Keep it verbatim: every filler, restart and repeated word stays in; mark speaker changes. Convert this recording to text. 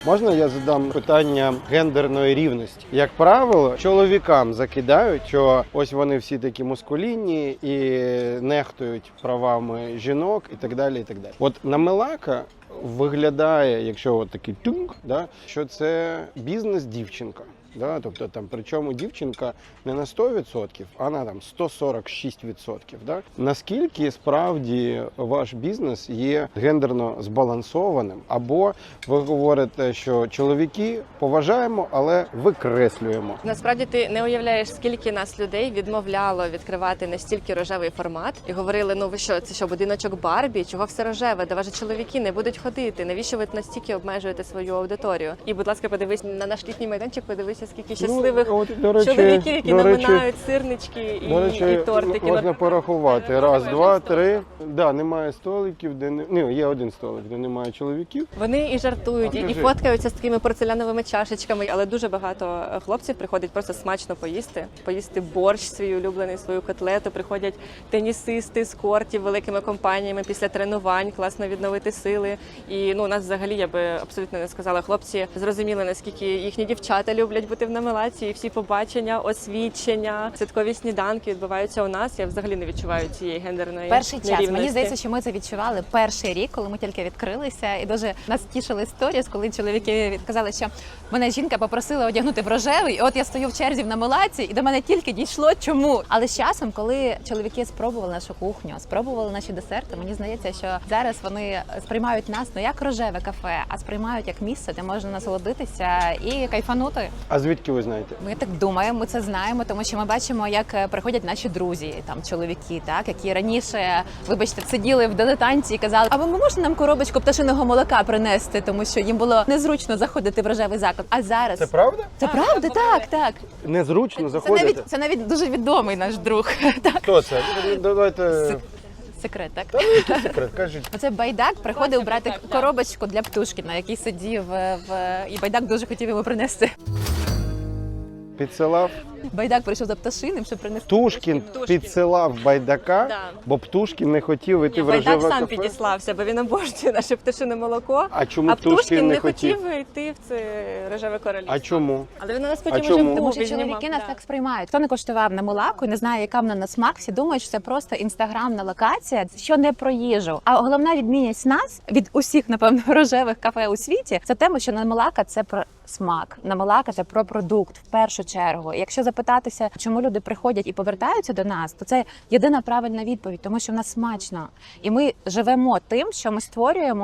Speaker 1: Можна я задам питання гендерної рівності? Як правило, чоловікам закидають, що ось вони всі такі мускулінні і нехтують правами жінок і так далі. І так далі. От на Мелака виглядає, якщо от такий тюнк, да, що це бізнес-дівчинка. Да, тобто там, причому дівчинка не на сто відсотків, а на там сто сорок шість відсотків. Да? Наскільки справді ваш бізнес є гендерно збалансованим? Або ви говорите, що чоловіки поважаємо, але викреслюємо?
Speaker 2: Насправді ти не уявляєш, скільки нас людей відмовляло відкривати настільки рожевий формат і говорили, ну ви що, це що, будиночок Барбі? Чого все рожеве? Де ваші чоловіки не будуть ходити? Навіщо ви настільки обмежуєте свою аудиторію? І, будь ласка, подивись на наш літній майданчик, подивись, скільки щасливих
Speaker 1: ну, от, до речі,
Speaker 2: чоловіків, які
Speaker 1: до речі,
Speaker 2: наминають сирнички і,
Speaker 1: до речі,
Speaker 2: і тортики.
Speaker 1: Можна порахувати. Раз, два, три. Да, немає столиків, де не... Ну, є один столик, де немає чоловіків.
Speaker 2: Вони і жартують, і, і фоткаються з такими порцеляновими чашечками, але дуже багато хлопців приходять просто смачно поїсти, поїсти борщ свій улюблений, свою котлету. Приходять тенісисти з кортів великими компаніями після тренувань, класно відновити сили. І ну, у нас взагалі, я би абсолютно не сказала, хлопці зрозуміли, наскільки їхні дівчата люблять бути в Намелаці, і всі побачення, освідчення, святкові сніданки відбуваються у нас. Я взагалі не відчуваю цієї гендерної
Speaker 3: перший час.
Speaker 2: нерівності.
Speaker 3: Мені здається, що ми це відчували перший рік, коли ми тільки відкрилися, і дуже нас тішили сторіс, коли чоловіки казали, що мене жінка попросила одягнути в рожевий, і от я стою в черзі в Намелаці, і до мене тільки дійшло, чому. Але з часом, коли чоловіки спробували нашу кухню, спробували наші десерти, мені здається, що зараз вони сприймають нас не як рожеве кафе, а сприймають як місце, де можна насолодитися і кайфанути.
Speaker 1: А звідки ви знаєте?
Speaker 3: Ми так думаємо, ми це знаємо, тому що ми бачимо, як приходять наші друзі, там чоловіки, так які раніше, вибачте, сиділи в дилетанті і казали, а ви можете нам коробочку пташиного молока принести, тому що їм було незручно заходити в рожевий заклад. А зараз
Speaker 1: Це правда?
Speaker 3: це правда, так, так.
Speaker 1: Незручно
Speaker 3: Це
Speaker 1: заходити?
Speaker 3: навіть це навіть дуже відомий наш друг. Так.
Speaker 1: Хто це? Давайте.
Speaker 3: Секрет, так?
Speaker 1: Та ну, який секрет, кажіть.
Speaker 3: Оце Байдак приходив брати коробочку для Птушкіна, який сидів в... і Байдак дуже хотів йому принести.
Speaker 1: Підсилав?
Speaker 3: Байдак прийшов за Пташиним, щоб принести.
Speaker 1: Птушкін підсилав Байдака,
Speaker 2: Да.
Speaker 1: бо Птушкін не хотів іти
Speaker 2: Ні,
Speaker 1: в
Speaker 2: Байдак
Speaker 1: рожеве
Speaker 2: сам
Speaker 1: кафе.
Speaker 2: підіслався, бо він обожнює наше пташине молоко.
Speaker 1: А чому
Speaker 2: а
Speaker 1: Птушкін
Speaker 2: Птушкін
Speaker 1: не
Speaker 2: не
Speaker 1: хотів?
Speaker 2: хотів йти в це рожеве королівство.
Speaker 1: А чому?
Speaker 2: Але він у нас
Speaker 1: А
Speaker 2: потім
Speaker 1: чому?
Speaker 2: уже
Speaker 3: Тому
Speaker 2: був,
Speaker 3: що
Speaker 2: він
Speaker 3: чоловіки
Speaker 2: знімав,
Speaker 3: нас
Speaker 2: да.
Speaker 3: так сприймають. Хто не коштував на Мелаку і не знає, яка вона на смак, всі думають, що це просто інстаграмна локація, що не про їжу. А головна відмінність нас від усіх, напевно, рожевих кафе у світі, це тема, що на Мелака це про смак. На Мелака це про продукт в першу чергу. І якщо запитатися, чому люди приходять і повертаються до нас, то це єдина правильна відповідь, тому що в нас смачно. І ми живемо тим, що ми створюємо.